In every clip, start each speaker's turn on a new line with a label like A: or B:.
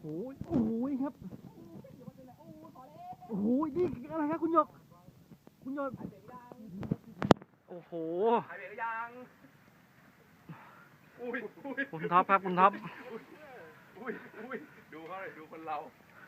A: โอ้โหครับโอ้โหนี่อะไรครับคุณหยกโอ้โห
B: หายไปหรือยัง
A: คุณท็อปครับคุณท็อป
B: ดูเขาเลยดูคนเรา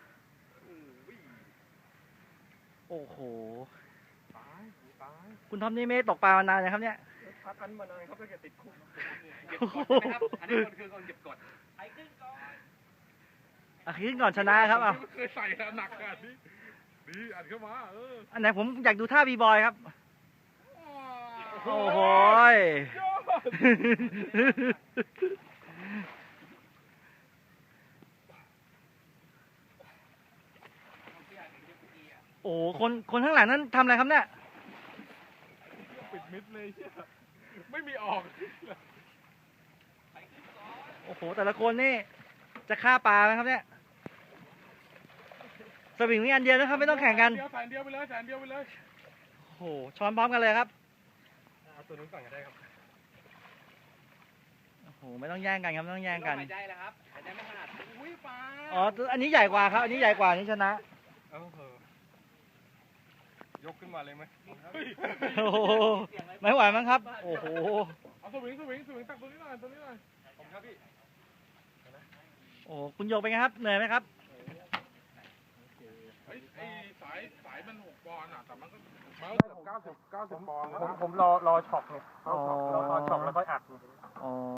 A: โอ้โห
B: ตาย
A: คุณท็อปนี่ไม่ตกปลามานานนะครับเนี่ย
B: พักกันมานานครับตั้งแต่ติดคุกเก็บกดนะครับอันนี้คือคนเก็บกดใครขึ้นก่อน
A: ขึ้นก่อนชนะครับเอา
B: เคยใส่แล้วหนักอ่ะนี่อัดเข้ามา
A: อันไหนผมอยากดูท่าบีบอยครับโอ้โหโอ้คนข้างหลังนั้นทำอะไรครับเนี่ย
B: ปิดมิดเลยไม่มีออก
A: โอ้โหแต่ละคนนี่จะฆ่าปลาไหมครับเนี่ยสวิงมีอันเดียวนะครับไม่ต้องแข่งกัน
B: แสนเดียวไปเลย
A: โอ้โหช้อนพร้อมกันเลยครับ
B: เอาตัวนู้นก่อนก็ได้ครับ
A: โอ้โหไม่ต้องแย่งกันครับไม่ต้องแย่งกัน
B: หายใจแล้วครับหายใจไม่ถนัดอุ้ยปลา
A: อ๋ออันนี้ใหญ่กว่าครับอันนี้ใหญ่กว่านี่ชนะ
B: ยกขึ้นมาเลยไหม
A: โอ้โหไม่ไหวมั้งครับโอ้โห
B: เอาสวิงตักตัวนี้หน่อยผมครับพี่
A: โอ้คุณโยกเป็นไงครับเหนื่อยไหมครับ
B: ไอ้สายมัน6 ปอนด์อ่ะแต่มันก็90 ปอนด์ผมรอช็อคเนี่ยรอช็อคแล้วค่อยอัด